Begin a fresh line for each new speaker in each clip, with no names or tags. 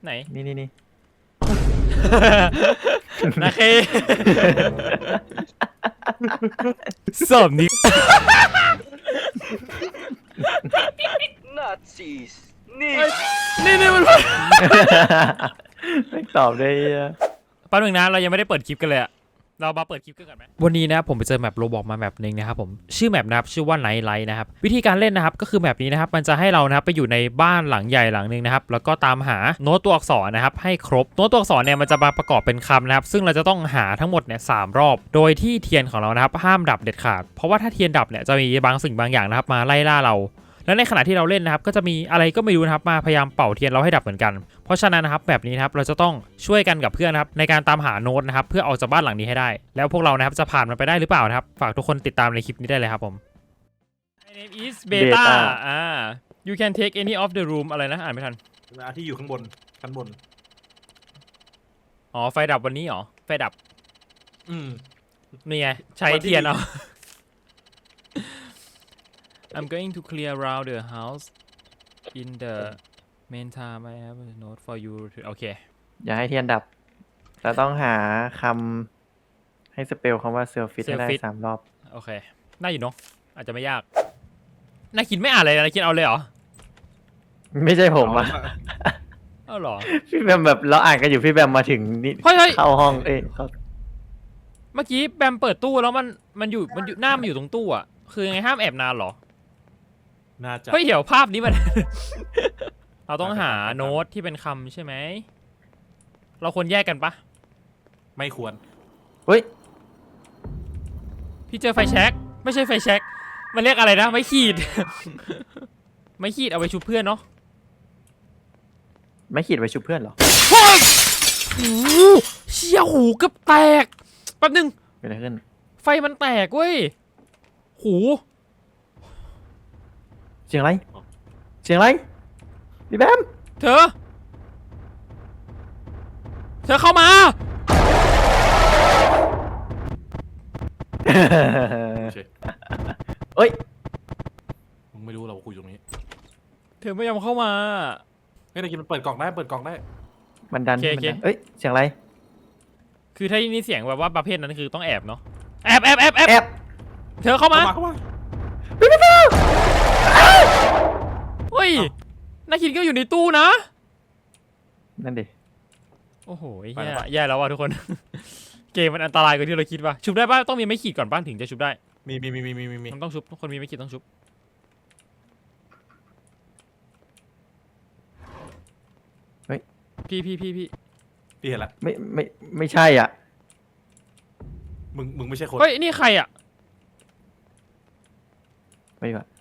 ไหน
นี่
นะเคสอบนี้
Nazis นี่
มัน
ไม่ตอบได้
แป๊บนึงนะเรายังไม่ได้เปิดคลิปกันเลยอะเรามาเปิดคลิปกันก่อนไหมวันนี้นะผมไปเจอแมปโรบอกมาแมปนึงนะครับผมชื่อแมปนะครับชื่อว่าไนท์ไลท์นะครับวิธีการเล่นนะครับก็คือแมปนี้นะครับมันจะให้เรานะครับไปอยู่ในบ้านหลังใหญ่หลังนึงนะครับแล้วก็ตามหาโน้ตตัวอักษรนะครับให้ครบโน้ตตัวอักษรเนี่ยมันจะมาประกอบเป็นคำนะครับซึ่งเราจะต้องหาทั้งหมดเนี่ย3 รอบโดยที่เทียนของเรานะครับห้ามดับเด็ดขาดเพราะว่าถ้าเทียนดับเนี่ยจะมีบางสิ่งบางอย่างนะครับมาไล่ล่าเราและในขณะที่เราเล่นนะครับก็จะมีอะไรก็ไม่รู้นะครับมาพยายามเป่าเทียนเราให้ดับเหมือนกันเพราะฉะนั้นนะครับแบบนี้นะครับเราจะต้องช่วยกันกับเพื่อนนะครับในการตามหาโน้ตนะครับเพื่อออกจากบ้านหลังนี้ให้ได้แล้วพวกเรานะครับจะผ่านมันไปได้หรือเปล่านะครับฝากทุกคนติดตามในคลิปนี้ได้เลยครับผม My name is Beta you can take any of the room อะไรนะอ่านไม่ทัน
ที่อยู่ข้างบนชั้นบน
อ๋อไฟดับวันนี้เหรอไฟดับนี่ไงใช้เทียนเอา I'm going to clear around the house in the meantime I have a note for you โอเค
อย่าให้เทียนดับเราต้องหาคำให้สเปลคำว่าเซลฟิตให้ได้3 รอบ
โอเคน่าอยู่เนาะอาจจะไม่ยากน่าคิดไม่อ่านเลยนะคิดเอาเลยเหรอ
ไม่ใช่ผมอะ
อ้าวเหรอ
พี่แบมแบบเราอ่านกันอยู่พี่แบมมาถึงนี่เข้าห้อง
เมื่อกี้แบมเปิดตู้แล้วมันอยู่หน้ามันอยู่ตรงตู้อ่ะคือไงห้ามแอบนานหรอ
น่าจะ
เฮ้ยเดี๋ยวภาพนี้มัน เราต้องหาโน้ตที่เป็นคำใช่ไหมเราควรแยกกันปะ
ไม่ควร
เฮ้ย
พี่เจอไฟแช็กไม่ใช่ไฟแช็กมันเรียกอะไรนะไม่ขีด ไม่ขีดเอาไปชุบเพื่อนเนาะ
ไม่ขีดไว้ชุบเพื่อนเหรอ
เฮ้ยเชี่ยหูเกือบแตกแป๊บนึง
เกิดอะไรขึ้น
ไฟมันแตกเว้ยหู
เสียงอะไรพี่แบม
เธอเข้ามา
เอ้ย
มึงไม่รู้เราคุยตรงนี้
เธอไม่ยอมเข้ามา
เฮ้ยตะกี้มันเปิดกล่องได้
มันดันเอ้ยเสียงอะไร
คือถ้านี่เสียงแบบว่าประเภทนั้นคือต้องแอบเนาะแอบเธอเข้ามาเฮ้ยนาคินก็อยู่ในตู้นะ
นั่นดิ
โอ้โหแย่แล้วว่ะทุกคน เกมมันอันตรายกว่าที่เราคิดว่ะชุบได้ป่ะต้องมีไม้ขีดก่อนป่ะถึงจะชุบได้
มี
มันต้องชุบคนมีไม้ขีดต้องชุบ
เฮ้ย
พี่
เห็นละ
ไม่ใช่อ่ะ
มึงไม่ใช่คน
เฮ้ยนี่ใครอ่ะ
ไปก่อน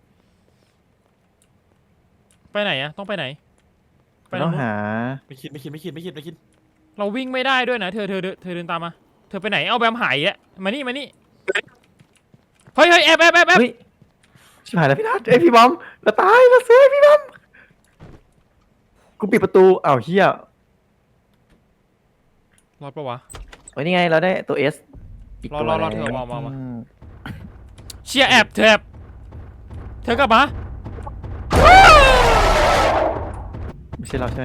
ไปไหนอะต้องไปไหน
ต้องหา
ไม่คิด
เราวิ่งไม่ได้ด้วยนะเธอเดินตามมาเธอไปไหนเอาแบมหายอ่ะมานี่เฮ้ยแอบ
ชิบหายแล้วพี่นัทพี่บอมเราตายเราเสียพี่บอมกูปิดประตูอ้าวเฮีย
รอดปะวะ
โอ้ยนี่ไงเราได้ตัว S
อีกตัวรอเธอมาเชียแอบเธอกลับมา
ไม่ใช่เราใช่ไหม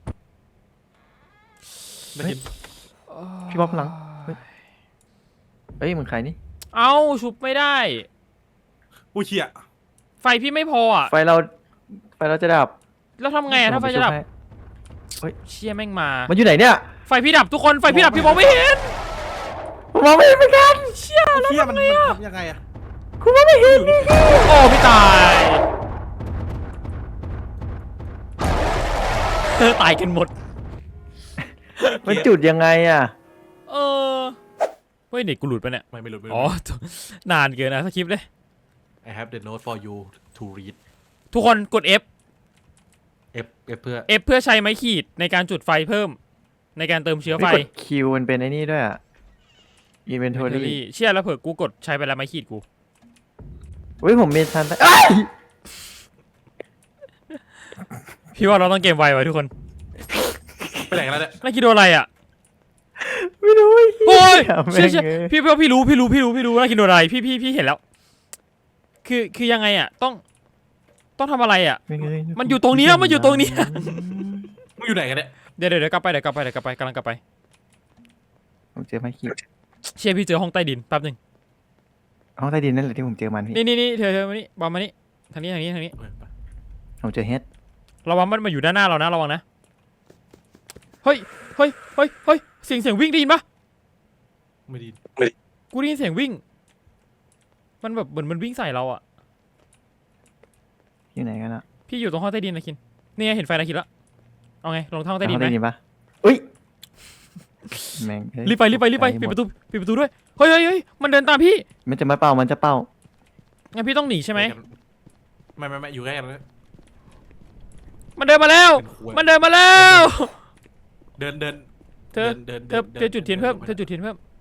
ไม่เห็น
พี่บอมหลังเฮ้ยมึงใครนี่
เอาชุบไม่ได้
อุ้ยเชี่ย
ไฟพี่ไม่พออ่ะ
ไฟเราจะดับ
แล้วทำไงถ้าไฟจะดับเชี่ยแม่ง
มันอยู่ไหนเนี่ย
ไฟพี่ดับทุกคนไฟพี่ดับพี่มองไม่เห็น
ผมมองไม่เห็นเหมือนกัน
เชี่ยแล้วทำไงอ่ะ
ยังไงอะ
คุณมองไม่เห็น
โอ้พี่ตายตายกันหมด
มันจุดยังไงอ่ะ
เฮ้ยเด็กกูหลุดไปเนี่ย
ไม่หลุด
อ๋อนานเกินนะสคริปต์เลย
I have the note for you to read
ทุกคนกด F
เพื่อ
F เพื่อใช้ไม้ขีดในการจุดไฟเพิ่มในการเติมเชื้อไฟ
Q มันเป็นไอ้นี่ด้วยอ่ะ Inventory
เชื่อแล้วเผื่อกูกดใช้ไปแล้วไม้ขีดกู
เฮ้ยผมมีทัน
พี่ว่าเราต้องเกมไวไว้ทุกคน
ไปไหนกันแล้วเนี่ย
น่าคิดดูอะไรอ่ะ
ไม่รู้
โอ้ยเชื่อพี่รู้น่าคิดดูอะไรพี่เห็นแล้วคือยังไงอ่ะต้องทำอะไรอ่ะมันอยู่ตรงนี้
งอยู่ไหนกันเนี่ย
เดี๋ยวกลับไปกำลังกลับไป
ผมเจอไม้ขีด
เชี่ยพี่เจอห้องใต้ดินแป๊บหนึง
ห้องใต้ดินนั่นแหละที่ผมเจอมันพี่
นี่เธอมานี่บอมมานี่ทางนี้
เออไป
ผมเจอเฮด
ระวังมันมาอยู่ด้านหน้าเรานะระวังนะเฮ้ยเสียงวิ่งได้ยินปะ
ไม่ดี
กูได้ยินเสียงวิ่งมันแบบเหมือนมันวิ่งใส่เราอ่ะ
อยู่ไหนกันอะ
พี่อยู่ตรงห้องใต้ดินนะคินนี่ไงเห็นไฟนะคินละเอาไงลงทางห้องใต้ดิน
ห้อง
ไหม
ใต้ดินปะอุ้ยแม่งเอ้ย
รีบไปปิดประตูด้วยเฮ้ยมันเดินตามพี่
มันจะมาเป่ามันจะเป่า
งั้นพี่ต้องหนีใช่ไหม
ไม่อยู่ใกล้กันเลย
มันเดินมาแล้ว
เป็นควย
มันเดินมาแล้ว
เดิน
เธอจุดเทียนเพิ่มเธอมี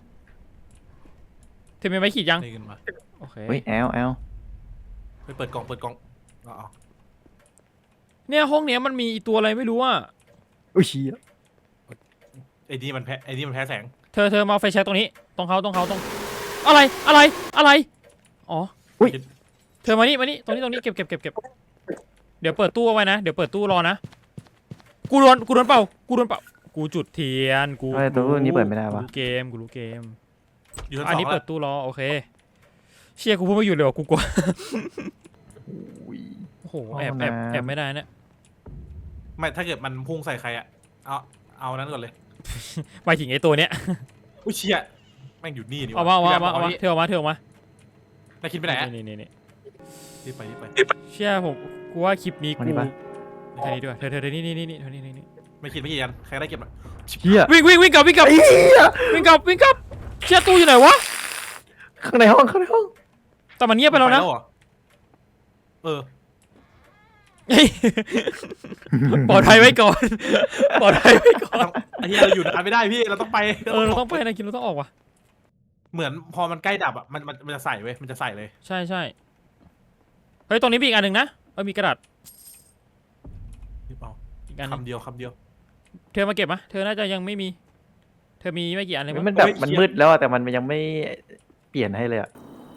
ไม้ขีดยัง
เดินมา
โอเค
เฮ้ยแอล
ไปเปิดกล่องอ๋อ
เนี่ยห้องเนี้ยมันมีตัวอะไรไม่รู้อ่ะ
อุ้ยเชี่ย
ไอ้นี่มันแพ้แสง
เธอมาเอาไฟแช็กตรงนี้ตรงเขาตรงอะไรอ๋อ
อุ้ย
เธอมานี่ตรงนี้เก็บเดี๋ยวเปิดตู้เอาไว้นะเดี๋ยวเปิดตู้รอนะกูโดนเป่ากูจุดเทียนกู
ทำไมตัวนี้เปิดไม่ได้วะ
กูรู้เกม
อยู่ชั้น
อัน
สอ
นี้
ง
เปิ
แล้
ด
ว
ตู้รอโอเคเชี่ยกูพูดไม่หยุดเลยว่ะกูกลัว
อุ้ย
โอ้โห
ห้อง
แอบ
น้ำ
ไม่ได้เนี่ย
ไม่ถ้าเกิดมันพุ่งใส่ใครอะเอานั้นก่อนเลย
หมายถึงไอ้ตัวเนี้ย
อุ้ยเชี่ยแม่งอยู่นี่นี่
เอามาเธอเอามา
นายคิดไปไหนอะ
นี่
รีบไป
เชี่ยผมกูว่าคลิปนี้
วัน
กู
นี้ปะ
เธอนี่ด้วยเธอนี่
ไม่คิดกันใครได้เก็บอะ
เชี่ย
วิ่งกลับ
ไอ้เหี้ย
วิ่งกลับเชี่ยตู้อยู่ไหนวะ
ข้างในห้อง
แต่มันเงียบไปแล้วนะ
เหรอเออ
เฮ้ยปลอดภัยไว้ก่อน
ไอ้เหี้ยเราอยู่นานไม่ได้พี่เราต้องไป
เราต้องไปนะคิดเราต้องออกว่ะ
เหมือนพอมันใกล้ดับอะมันจะใส่เว้ยมันจะใส่เลย
ใช่เฮ้ยตรงนี้มีอีกอันหนึ่งนะมีกระดาษ
รีบเอา
อีกอันหนึ่ง
คำเดียว
เธอมาเก็บมะเธอน่าจะยังไม่มี เธอมีไม่กี่อันเลย
มัน
มั้ง
แบบมันมืดแล้วอะแต่มันยังไม่เปลี่ยนให้เลยอะ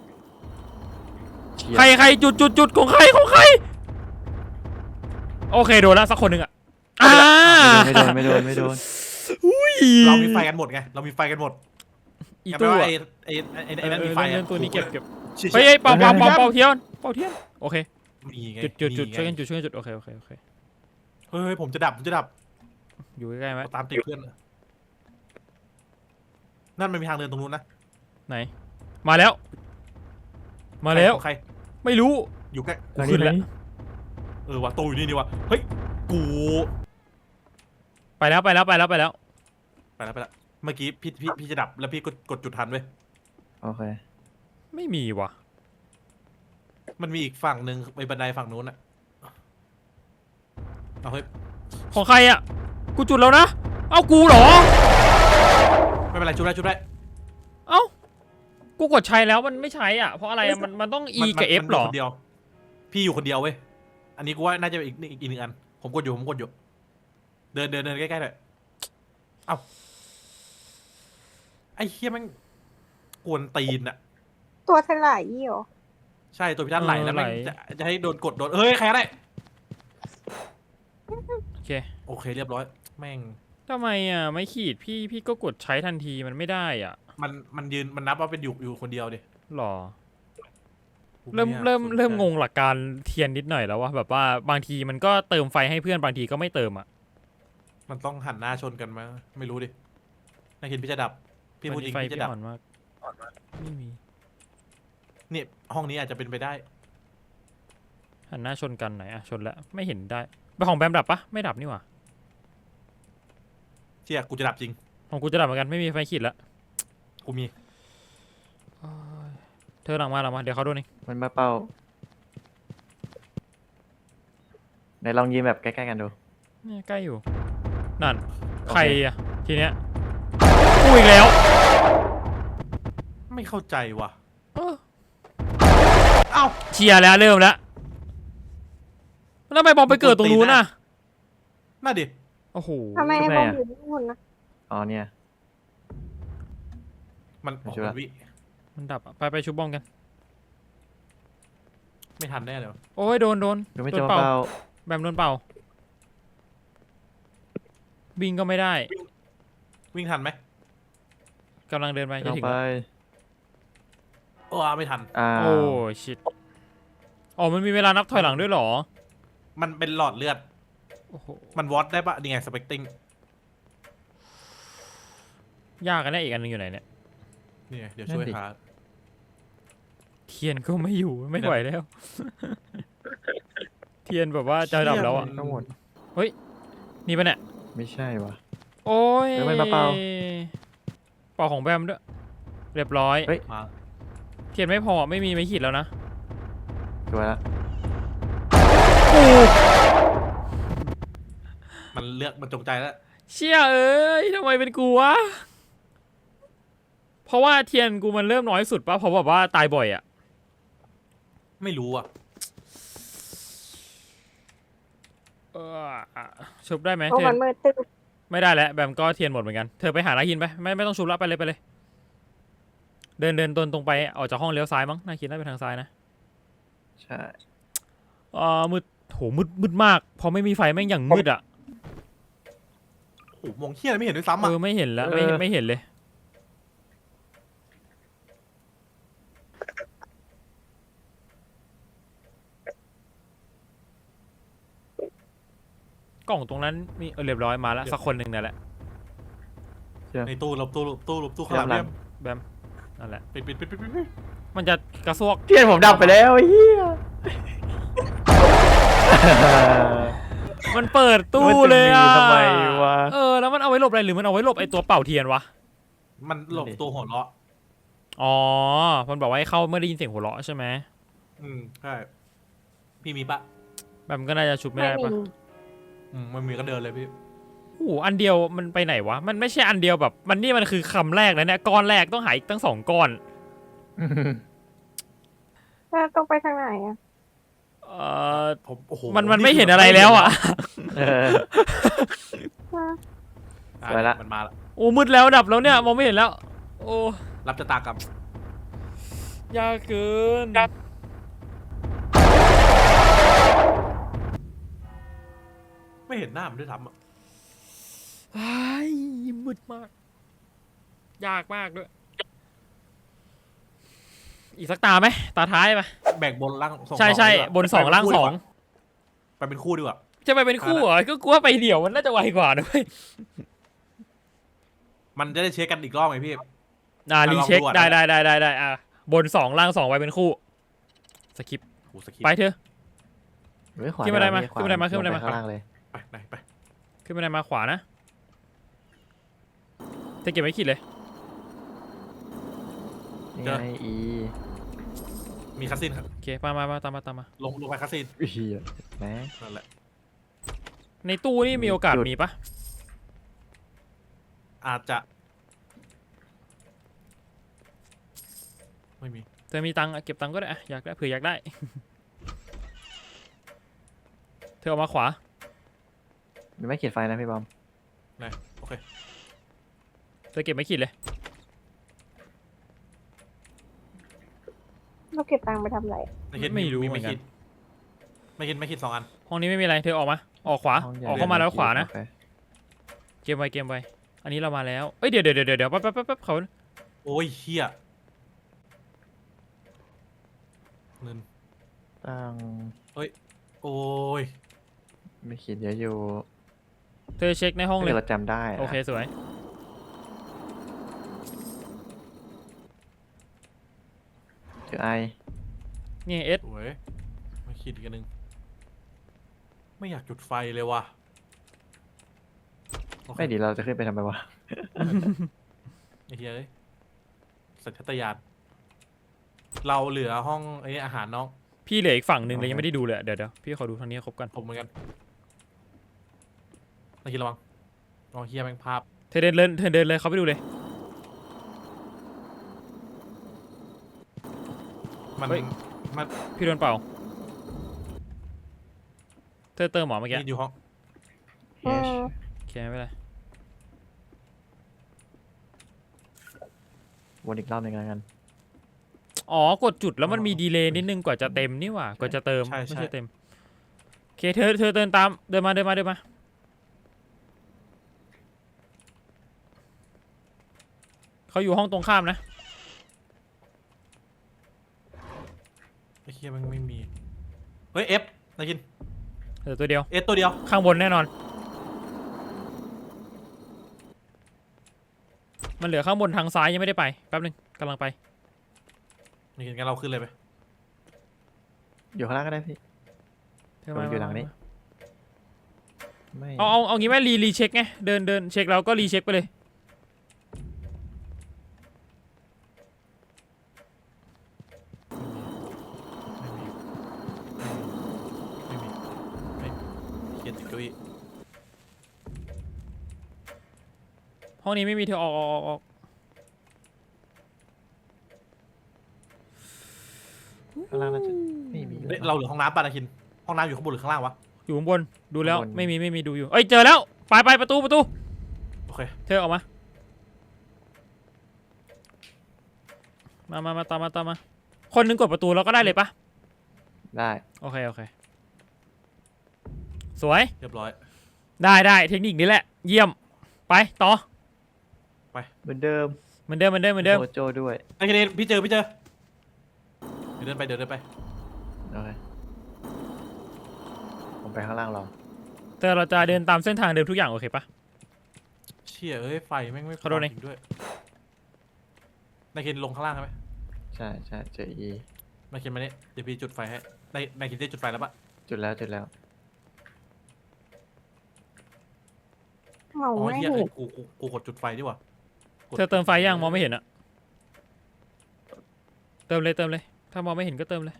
เชี่ย
ใครจุดของใครโอเคโดนละสักคนหนึ่งอ่ะ
ไม่โดน
เรามีไฟกันหมดไงเรามีไฟกันหมด
อี
อย่าไป
ตู้
ว่า
อะ
ไอ้นั่นมีไฟ
เรื่องตัวนี้เก็บ
เชี่ย
เฮ้ยเป่าเทียนโอเค
มีไง
จุด
มีไง
ช่วยกันจุดโอเค
เฮ้ยผมจะดับ
อยู่ใกล้ๆไหม
ตามติดเพื่อนนั่นมันมีทางเดินตรงนู้นนะ
ไหนมาแล้ว
ของใคร
ไม่รู้
อยู่ใกล้
กูขึ้นแล้ว
ว่ะตู้อยู่นี่ว่ะเฮ้ยกู
ไปแล้ว
ไปแล้วเมื่อกี้พี่จะดับแล้วพี่กดจุดทันเว้ย
โอเค
ไม่มีว่ะ
มันมีอีกฝั่งหนึ่งไปบันไดฝั่งนู้นอะเอาเฮ้ย
ของใครอ่ะกูจุดแล้วนะเอ้ากูเหรอ
ไม่เป็นไรจุดได้
เอ้ากูกดใช้แล้วมันไม่ใช้อ่ะเพราะอะไรอะมันต้อง E กับ F หรอ
คนเดียวพี่อยู่คนเดียวเว้ยอันนี้กูว่าน่าจะอีกหนึ่งอันผมกดอยู่เดินใกล้ๆเลยเอ้าไอ้เฮียแมันกวนตีนอะ
ตัวถลายยี่หรอ
ใช่ตัวพี่ท่านไหลแล้วแม่ง
ไหล
จะให้โดนเฮ้ยใครก็ได้
โอเค
โอเคเรียบร้อยแม่ง
ทำไมอ่ะไม่ขีดพี่ก็กดใช้ทันทีมันไม่ได้อ่ะ
มันยืนมันนับว่าเป็นอยู่คนเดียวดิ
หรอ เริ่มงงหลักการเทียนนิดหน่อยแล้วว่าแบบว่าบางทีมันก็เติมไฟให้เพื่อนบางทีก็ไม่เติมอ่ะ
มันต้องหันหน้าชนกันมาไม่รู้ดินายคิดพี่จะดับพี่พูดจริง
ไฟ
พี่จะ
พี่
ดับ
อ่อนมากไม่มี
นี่ห้องนี้อาจจะเป็นไปได้
หันหน้าชนกันไหนอ่ะชนแล้วไม่เห็นได้ไปของแบมดับปะไม่ดับนี่หว่า
เชี่ยกูจะดับจริง
ของกูจะดับเหมือนกันไม่มีไฟขีดแล้ว
กูมี
เธอหลังมาเดี๋ยวเขาโดนเอง
มันมาเป่าไหนลองยืนแบบใกล้ๆกันดู
เนี่ยใกล้อยู่นั่นใครอ่ะทีเนี้ยกูอีกแล้ว
ไม่เข้าใจว่ะ
เออ
เอ้า
เชียร์แล้วเริ่มแล้วแล้วทำไมบอมไปเกิดตรงนู้นน่ะ
น่าดิ
โอ้โห
ทำไมไอ้บอมอยู่ข้างบนนะ
อ๋อเนี่ย
มัน
ไม่ใช่ปะ
วิ
มันดับอะไปชุบบอมกัน
ไม่ทันแน่เลยวะ
โอ้ยโดน
ดูไม่
โด
จะ
น
มา
เป่า
เป่า
แบมโดนเป่าวิ่งก็ไม่ได้
วิ่งทันไหม
กำลังเดินไปจะ
ลง
ถึง
ไป
แล้ว
โอ้ไม่ทัน
โอ้ชิตอ๋อมันมีเวลานับถอยหลังด้วยเหรอ
มันเป็นหลอดเลือด
โอ้โห
มันวอตได้ปะนี่ไงสเปกติ้ง
ยากกันแน่อีกอันหนึงอยู่ไหนเนี่ย
นี่ไงเดี๋ยวช่วยหา
เทียนก็ไม่อยู่ไม่ไหวแล้ว เทียนแบบว่าจะดับแล้วอ่ะ
ทั้งหมด
นี่ปะเนี่ย
ไม่ใช่วะ
โอ้ย
เดี๋ยวมันมาเป่า
เป่าของแบมด้วย เรียบร้อย
เฮ้ย
มา
เทียนไม่พอไม่มีไม่ขีดแล้วนะ
สวยละ
มันเลือกมันจงใจแล้ว
เชี่ยเอ้ยทำไมเป็นกูวะ เพราะว่าเทียนกูมันเริ่มน้อยสุดปะเพราะแบบว่าตายบ่อยอ่ะ
ไม่รู้อ่ะ
ชุบได้ไหม
เพราะ
เทีย
มัน นมืดตึ๊บ
ไม่ได้แล้วแบมก็เทียนหมดเหมือนกันเธอไปหานาคินไปไม่ต้องชุบแล้วไปเลยไปเลย เดินตรงไปออกจากห้องเลี้ยวซ้ายมั้งนาคินน่าไปทางซ้ายนะ
ใช่
มืดโหมืดมากพอไม่มีไฟแม่งอย่างมืดอ่ะ
โอ้โหมองเฮี้ยอะไรไม่เห็นด้วยซ้ำอ่ะ
ไม่เห็นแล้วไม่เห็นเลยกล่องตรงนั้นมีเรียบร้อยมาแล้วสักคนหนึ่งนั่นแหละ
ในตู้หลบข้างหลังเนี่ย
แบมนั่นแหละ
ปิด
มันจะกระซวก
เทียนผมดับไปแล้วไอ้เหี้ย
มันเปิดตู้เลยอ่ะ
มันจะมีทำไมวะ
แล้วมันเอาไว้หลบอะไรหรือมันเอาไว้หลบไอ้ตัวเป่าเทียนวะ
มันหลบตัวหัวเราะ
อ๋อมันบอกว่าให้เข้าเมื่อได้ยินเสียงหัวเราะใช่ไหม
ใช่พี่มีปะ
แบมก็น่าจะชุบไม่ได้
ไม่
ปะ
มี
มันมีก็เดินเลยพี่
โอ้โหอันเดียวมันไปไหนวะมันไม่ใช่อันเดียวแบบมันนี่มันคือคำแรกนะเนี่ยก้อนแรกต้องหาอีกตั้ง2 ก้อน
แล้วต้องไปทางไหนอ่ะ
ผมโอ้โห
มันไม่เห็นอะไรแล้วอ่ะ
เออ สวยละ
มันมาละ
โอ้มืดแล้วดับแล้วเนี่ยมองไม่เห็นแล้ว โอ้
รับชะตากรรม
ยากเกิน
ไม่เห็นหน้ามันด้วยซ้ำอ่ะ
ไอ้ยมืดมาก ยากมากด้วย อีกสักตาไหมตาท้ายไหม
แบ่งบนล่างสอง
ใช่
ดีกว่า
บน2ล่าง2
ไปเป็นคู่ดีกว่า
จะไปเป็นคู่เหรอก็กลัวไปเดี่ยวมันน่าจะไวกว่านะเว้ย
มันจะได้เช็คกันอีกรอบไหมพี่
รีเช็ค
ลองดูอะ
ได้บน2ล่าง2ไว้เป็นคู่สกิป
โอ้สกิป
ไปเถอะ
ไม่ขวา
ขึ้นบันไดมา
ขว
ขึ้นบันไดมาขึ้นบันไดมา
ลงปข้างล่างเลย
ไป
ขึ้นไปไหนมาขวานะจะเก็บไว้ขีดเลย
นี่ไงอี
มีคัสซินครับ
โอเคมาตามมา
ลงไปคัสซิน
เหี้ยแหม
นั่นแหละ
ในตู้นี่มีโอกาส
จุด
มีปะ
อาจจะไม่มี
เธอมีตังค์อะเก็บตังค์ก็ได้อะอยากได้เผื่ออยากได้ เธอเอามาขวา
มันไม่ขีดไฟนะพี่บอม
โอเค
เธอเก็บไม่ขีดเลย
เราเก็บตังค์ไปทำอะไร
ไม่รู้เหมือนกัน
ไม่คิด2 อัน
ห้องนี้ไม่มีอะไรเธอออกมาออกขวา
ห้งใหญ่
ออกเข้ามาแล้วขวานะ
โอเค
เกมไวอันนี้เรามาแล้วเอ้ยเดี๋ยวแป๊บเขา
โอ้ยเฮียเงิน
ตั้ง
โอ้ย
ไม่ขีดเยอะอยู่
เธอเช็คในห้องเลย
ถ้าเราจำได้ะ
โอเคสวย
เจอไอ
นี่เอส
สวยไม่คิดอีกอันหนึงไม่อยากจุดไฟเลยว่ะโอเค
ไม่ดีเราจะขึ้นไปทำไมวะ
ไอ้เฮียเอ้ยสัญชาตญาณเราเหลือห้องไอ้นี่อาหารน้อง
พี่เหลืออีกฝั่งหนึ่งเลยยังไม่ได้ดูเลยเดี๋ยวพี่ขอดูทางนี้ครบกัน
ผมเหมือนกันนาคิดระวังอ๋อเฮียแม่งภาพ
เธอเดินเลยเขาไปดูเลย
มัน
เฮ้ย
มัน
พี่โดนเป่าเธอเติมหมอเมื่อกี้
นี่อยู่ห้อง
อืม
โอเคไม่เป็นไร
วนอีกรอบหนึ่งแล้วกัน
อ๋อกดจุดแล้วมันมีดีเลย์นิดนึงกว่าจะเต็มนี่หว่ากว่าจะเติมไม่ใช่เต็มโอเคเธอเดินมาเขาอยู่ห้องตรงข้ามนะ
ไอ้เหี้ยมันไม่มีเฮ้ยเอฟนาคิน
เหลือตัวเดียว
เอฟตัวเดียว
ข้างบนแน่นอน มันเหลือข้างบนทางซ้ายยังไม่ได้ไปแป๊บนึงกำลังไป
นาคินงั้นเราขึ้นเลยไป
อยู่ข้างล่างก็ได้พี่
เธอ
มั
มาน
อยู่หลังนี้ ไม่
เอางี้ไหมรีเช็คไงเดินเช็คแล้วก็รีเช็คไปเลย
ไม่มีเขียนติดเก้าอี้
ห้องนี้ไม่มีเธอออก
ข้างล่างน่าจะไม่มี
เฮ้ยเราเหลือห้องน้ำป่ะนาคินห้องน้ำอยู่ข้างบนหรือข้างล่างวะ
อยู่ข้างบนดูแล้วไม่มีดูอยู่เอ้ยเจอแล้วไปประตู
โอเค
เธอออกมาตามมาคนนึงกดประตูแล้วก็ได้เลยปะ
ได้
โอเคสวย
เรียบร้อย
ได้เทคนิคนี้แหละเยี่ยมไปต่อ
เหมือนเดิม
เหมือนเดิม
โจด้วย
นาคินพี่เจอเดินไป
โอเคผมไปข้างล่างรอ
แต่เราจะเดินตามเส้นทางเดิมทุกอย่างโอเคปะ
เชี่ยเอ้ยไฟแม่งไม่
ขอโทษนะ
จริงด้วยนาคินลงข้างล่างใช่ไหม
ใช่เจออี
นาคินมาเนี่ยเดี๋ยวพี่จุดไฟให้นาคินได้จุดไฟแล้วปะ
จุดแล้ว
เมา
อ๋อ
ไม่
เฮีย
เห็น
กูกดจุดไฟดีกว่า
เธอเติมไฟยังมองไม่เห็นอะเติมเลยถ้ามองไม่เห็นก็เติมเลย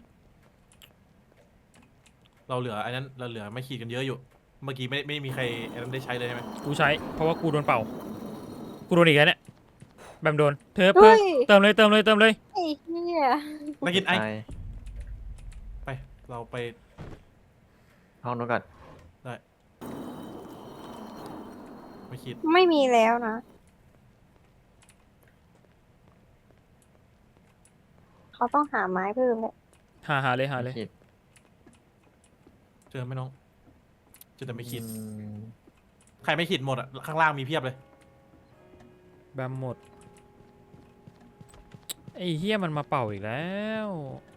เราเหลืออันนั้นเราเหลือไม่ขีดกันเยอะอยู่ เมื่อกี้ไม่มีใครอันนั้นได้ใช้เลยใช่ไหม
กูใช้เพราะว่ากูโดนเป่ากูโดนอีกแล้วเนี่ยแบมโดนเธอ
เฮ้ย
เติมเลย
ไอ้เหี้ย
นาคิน
ไป
ไปเราไป
ห้องนู้นก่อน
ไม่ขีด
ไม่มีแล้วนะเขาต้องหาไม้เพิ่มเลย
หาเลย
ขีด
เจอไหมน้องเจอแต่ไม่ขีด
อืม
ใครไม่ขีดหมดอ่ะข้างล่างมีเพียบเลย
แบมหมดไอ้เฮียมันมาเป่าอีกแล้ว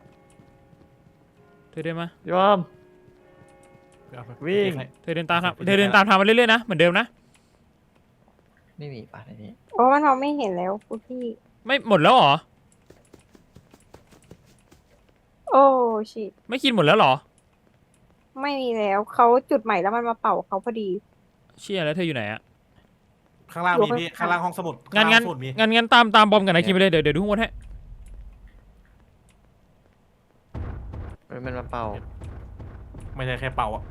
เธอเดินมา
ยอม
เอาไป
วิ่ง
ให้
เธอเดินตามทางมาเรื่อยๆนะเหมือนเดิมนะ
ไม่มีป่ะในนี้
โอ้มันมองไม่เห็นแล้วคุณพี่
ไม่หมดแล้วเหรอ
โอ้ชิต
ไม่คิดหมดแล้วเหรอ
ไม่มีแล้วเขาจุดใหม่แล้วมันมาเป่าเขาพอดี
เชี่ยแล้วเธออยู่ไหนอะ
ข้างล่างมีพี่
อยู่ข้าง
ข้างล่างห้องสมุด
งั้น
ข้างล่างห้องสมุดมี
งั้นตามบอมกับนายคิมไปเลยเดี๋ยวดูข้างบนให้
เฮ้ยมันมาเป่า
ไม่ใช่แค่เป่าอ่ะ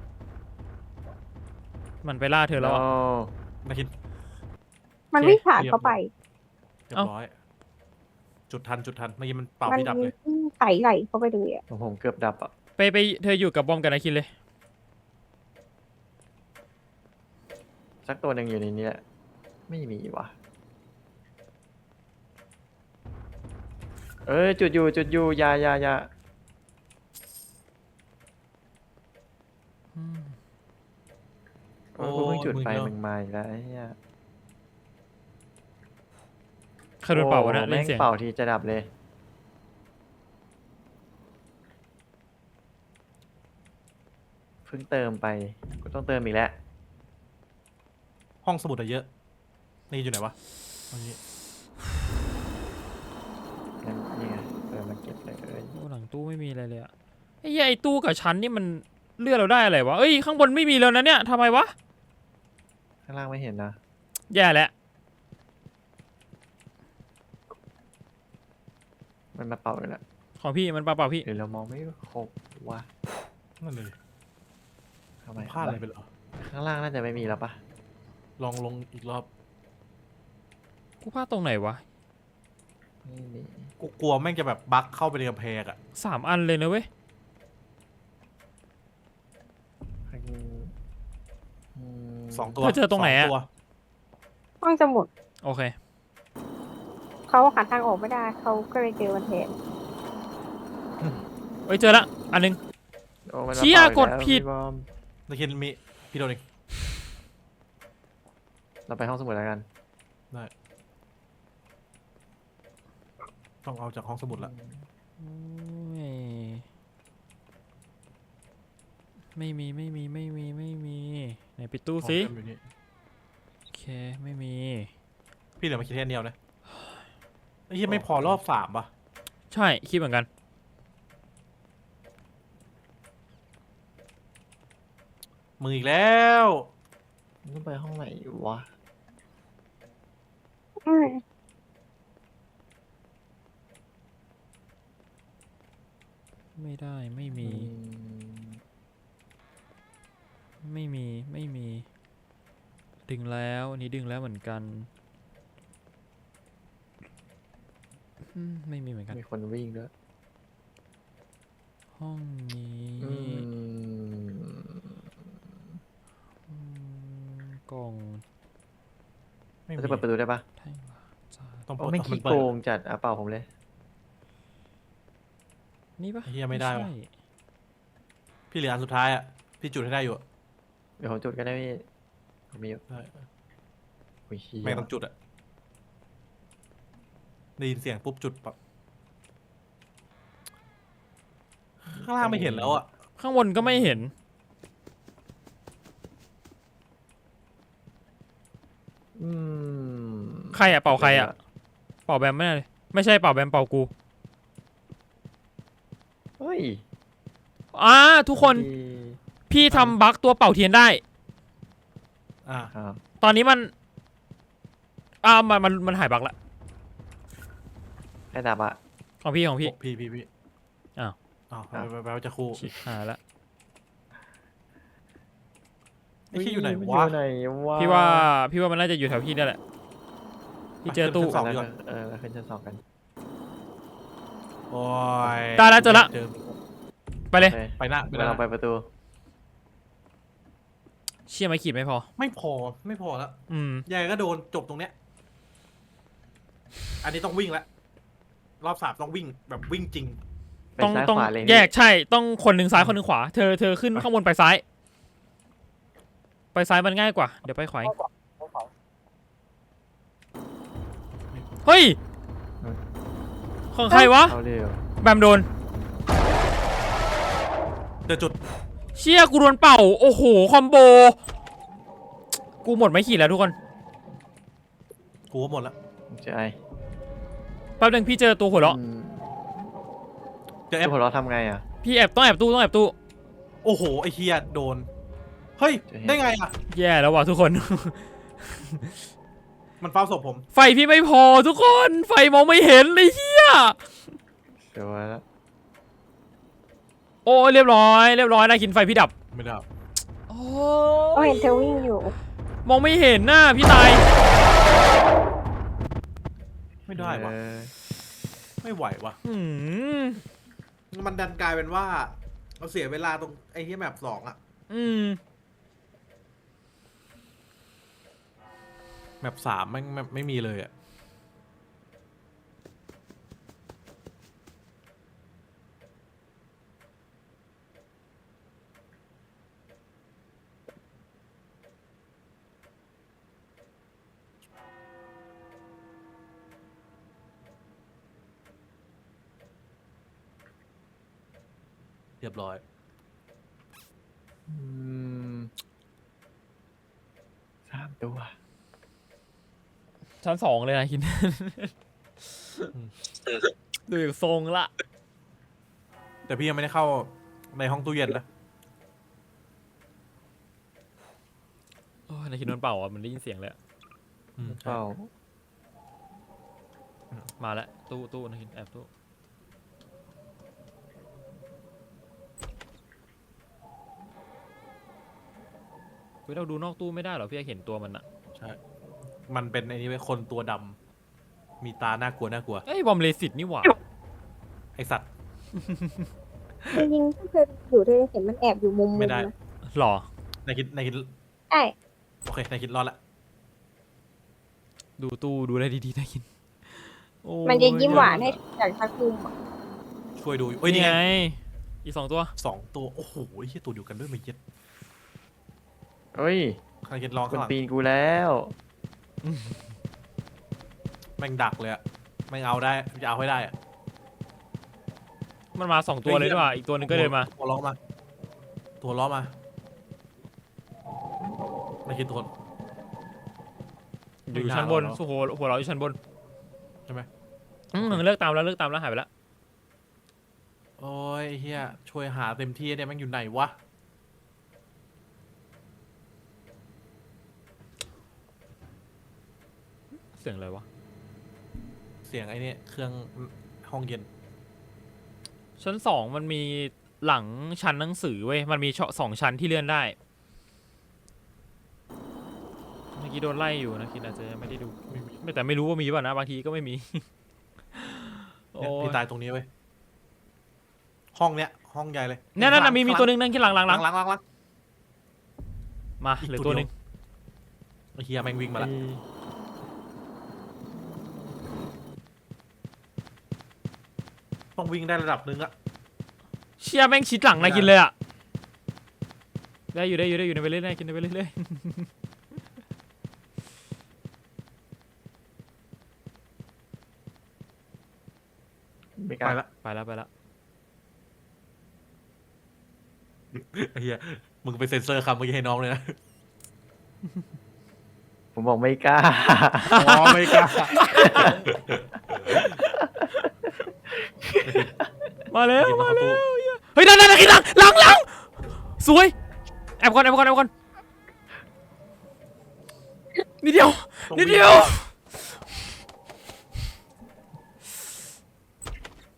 มันไปล่าเธอแล้วอะ
โ
นาคิน
มัน
โอเค
วิ่งผ่านเข้าไป
เรีย
เอ้า
บร้อยจุดทันเมื่อกี้มันเป่า
มัน
พี่ดับเลย
วิ่งไถไหลเข้าไปเลยอ่ะ
ผมเกือบดับอ่ะ
ไปเธออยู่กับบอมกับนายคิมเลย
สักตัวหนึ่งอยู่ในนี้แหละไม่มีว่ะเอ้ยจุดอยู่อยาโอ้ยกูเพิ่งจุดไปมึงมาอีกแล้วไอ้เหี้ย
ใครโดนเป่าวะนะ
โอ้
เล่
แม่
น
ง
เสียง
เป่าทีจะดับเลยเพิ่งเติมไปกูต้องเติมอีกแล้ว
ห้องสมุดอะเยอะนี่อยู่ไหนวะตรงนี้
งั้นนี่ไงมันเก็บเลย
โอ้หลังตู้ไม่มีอะไรเลยอะไอ้เหี้ยไอ้ตู้กับชั้นนี่มันเลือกเราได้อะไรวะเอ้ยข้างบนไม่มีแล้วนะเนี่ยทำไมวะ
ข้างล่างไม่เห็นนะ
แย่แล้ว
มันมาเป่าเลยแหละ
ของพี่มันเปล่าๆพี่
หรือเรามองไม่ครบวะ
นั่นเลย
ทำไม
พลาดอะไรไปเหรอ
ข้างล่างน่าจะไม่มีแล้วปะ
ลองลงอีกรอบ
กูพลาดตรงไหนวะ
ไม่มี
กูกลัวแม่งจะแบบบั๊กเข้าไปในกำแพงอ่ะ
3 อันเลยนะเว้ย
สองตัว
เธอเจอตรงไหนอะ
สตัว
ห้องสมุด
โอเค
เขาหาทางออกไม่ได้เขาก็เลยเจอมันแทน
เอ้ยเจอละอันนึง
โอ้มันมา
เชี่ย
ป่าอี
กด
แล้ว
ผิด
พี่บอม
นาคินมีพี่โดนเอง
เราไปห้องสมุดแล้วกัน
ได้ต้องเอาจากห้องสมุดละ
โอ้ยไม่มีไหนปิดตู้สิ
ห้องเต็มอยู่นี่
โอเคไม่มี
พี่เหลือมาคิดแค่เดียวนะไอ้เหี้ยไม่พอรอบ3ป่ะ
ใช่คิดเหมือนกัน
มึงอีกแล้ว
ต้องไปห้องไหนวะ
อืม
ไม่ได้ไม่มี ดึงแล้วอันนี้ดึงแล้วเหมือนกันไม่มีเหมือนกัน
มีคนวิ่งด้วย
ห้องนี้
อืม
กล่อง
ไม่
เรา
มี
จะเปิดประตูได้ปะ
แท่งวาจา
ต้อง
โอ้
เปิด
ไม่
มั
ขี้
นเปิ
โก
ด
งจัดอ่ะเปล่าผมเลย
นี่ปะ
ไอ้เหี้ยไม่ได้ว่ะ
ใช่
พี่เหลืออันสุดท้ายอ่ะพี่จุดให้ได้อยู่อะ
เดี๋ยวผมจุดกันได้พี่ผมมีอยู่
ได้
โอ้ยเหี้ย
แม่งต้องจุดอ่ะได้ยินเสียงปุ๊บจุดปั๊บข้างล่างไม่เห็นแล้วอ่ะ
ข้างบนก็ไม่เห็น
อืม
ใครอะเป่าใครอะเป่าแบมไม่ได้เลยไม่ใช่เป่าแบมเป่ากู
เฮ้ย
ทุกคน
ดี
พี่ทำบั๊กตัวเป่าเทียนได้
อ่า
ครับ
ตอนนี้มันมันหายบั๊กละ
ใครดับอ่ะ
ของพี่
พี่
อ้าว
อ้าวแปลว่าจะคู่
ชิบหายละ
ไอ้ขี้อยู่ไหน
มั
วะ
อยู่ไหนวะ
พี่ว่ามันน่าจะอยู่แถวพี่นี่แหละพี่เจอตู้
ขึ้นชั้น 2 ดีกว่า
เราขึ้นชั้น 2กัน
โอ้ย
ได้แล้วเจอละ ไปเลย
โอค
ไปหน้าไปห
เรา
น้า
ไปประตู
เชี่ยไม่ขีดไม่พอ
ไม่พอแล้ว ยายก็โดนจบตรงเนี้ย อันนี้ต้องวิ่งแล้วรอบ3ต้องวิ่งแบบวิ่งจริง
ไป
ต้อง
ซ้าย
ต้อง
ขวาเลย
แยกใช่ ต้องคนหนึ่งซ้ายคนหนึ่งขวา เธอขึ้นข้างบนไปซ้าย ไปซ้ายมันง่ายกว่า เดี๋ยวไปขวาเองเฮ้ย ของใครวะ
เอาเร็ว
แบมโดน
เดี๋ยวจุด
เชี่ยกูโดนเป่า โอ้โห คอมโบ กูหมดไม่ขีดแล้วทุกคน
กูก็หมดแล้ว
เจอไอ
แป๊บนึงพี่เจอตัวหัวเราะ
เจอแอ
ไอ้
ป
หัวเราะทำไงอ่ะ
พี่ต้องแอบตู้
โอ้โหไอ้เฮียโดน เฮ้ย
จะเห็น
ได้ไงอ่ะ
แย่แล้วว่ะทุกคน
มันเฝ้าศพผม
ไฟพี่ไม่พอทุกคน ไฟมองไม่เห็นเลยเฮีย
เดี๋ยวแล้ว
โอ้ยเรียบร้อยนะกินไฟพี่ดับ
ไม่ได้
โอ้
ก็เห็นเธอวิ่งอยู่
มองไม่เห็นหน้าพี่ตาย
ไม่ได้วะไม่ไหววะ
อืม
มันดันกลายเป็นว่าเราเสียเวลาตรงไอ้ที่แมป2อ่ะ แมป3ไม่มีเลยอ่ะ เรียบร้อย
3 ตัว
ชั้น 2เลยนะคิน ดูอยู่ทรงละ
แต่พี่ยังไม่ได้เข้าในห้องตู้เย็นนะ
โอ้ยนาคินโดนเป่าอ่ะมันได้ยินเสียงเลยอะ
เปล่า
มาแล้วตู้นาคินแอบตู้เฮ้ยเราดูนอกตู้ไม่ได้เหรอพี่อยากเห็นตัวมันอะ
ใช่ มันเป็นไอ้นี่ไว้คนตัวดำมีตาน่ากลัว
เอ้ยบอมเลสิตนี่หว่า
ไอสัตว์
จริงๆถ้าเธออยู่เธอจะเห็นมันแอบอยู่มุมๆ
ไม่ได้
นะ
หรอ
นายคิด
ใช่
โอเคนายคิดรอดละ
ดูตู้ดูได้ดีๆนาคินโอ้
มันจะยิ้มหวานให้จากทักคุมอะ
ช่วยดูเอ้ยนี่
นี่
ไง
ไงอีก2 ตัว
2 ตัว โอ้โหไอ้เหี้ยตัวเดียวกันด้วยมาเย็ด
เฮ้ย
นายคิดลอง
ค
ข้าน งหลัง
ปีนกูแล้ว
แม่งดักเลยอะไม่เอาได้จะเอาให้ได้อะ
มันมา2ตัวเลยด้วยว่ะอีกตัวหนึงก็เดินมา
ตัวล้อมาตัวล้อมาไม่คิดตัว
อยู่ชั้นบนหัวเราอยู่ชั้นบน
ใช่ไหม
เลิกตามแล้วหายไปแล้ว
โอ้ยเฮียช่วยหาเต็มที่เนี่ยแม่งอยู่ไหนวะ
เสียงอะไรวะ
เสียงไอ้นี่เครื่องห้องเย็น
ชั้น2มันมีหลังชั้นหนังสือเว้ยมันมี2ชั้นที่เลื่อนได้เมื่อกี้โดนไล่อยู่นะคิดอาจจะยังไม่ได้ดูแต่ไม่รู้ว่ามีป่ะนะบางทีก็ไม่มี โอ้
เนี่ยพี่ตายตรงนี้เว้ยห้องเนี้ยห้องใหญ่เลย
นั่นมีตัวหนึงนั่นที่หลัง
หลัง
มาเหลือตัวหนึง
ไอ้เฮียแม่งวิ่งมาละต้องวิ่งได้ระดับนึงอะ
เชี่ยแม่งชิดหลังนะกินเลยอ่ะได้อยู่ในไปเรื่อยๆกินไปเรื่อย
ไม่ก
ไป
ล้า
ละ
ๆไปแล้ว
ไอ้เฮียมึงไปเซ็นเซอร์คำเมื่อกี้ให้น้องเลยนะ
ผมบอกไม่กล้า
อ๋อไม่กล้า
มาแล้ว
เก็บเข้าตู้
เฮ้ยนั่นกินหลังสวยแอบก่อนนิดเดียวไป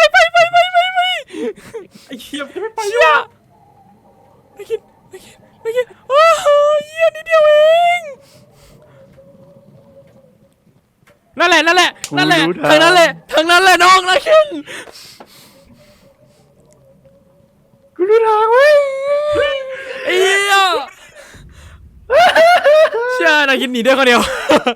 ไอ้เฮียไม่ไป
เชี่ยไม่กินโอ้ยเหี้ยนิดเดียวเองนั่นแหละทางนั้นแหละน้องนะคิน
กูรู้ทางเว้ย
ไอ้เหี้ยเชี่ยนาคินหนีได้คนเดียว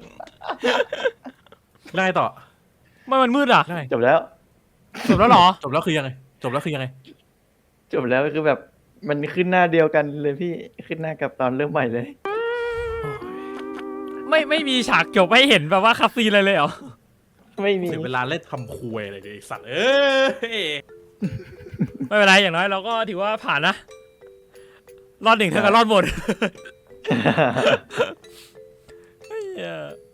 ได้ต่อ
มันมืดอ่ะ
ได้
จบแล้ว
จบแล้วเหรอ
จบแล้วคือยังไง
จบแล้วก็คือแบบมันขึ้นหน้าเดียวกันเลยพี่ขึ้นหน้ากับตอนเริ่มใหม่เลย
ไม่มีฉากจบให้เห็นแบบว่าคัสซีนอะไรเลยเหรอ
ไม่มี
เสียเวลาเล่นทำคุยอะไรเลยไอ้สัตว์ย
ไม่เป็นไรอย่างน้อยเราก็ถือว่าผ่านนะรอด1เท่ากับรอดหมดเฮ้ย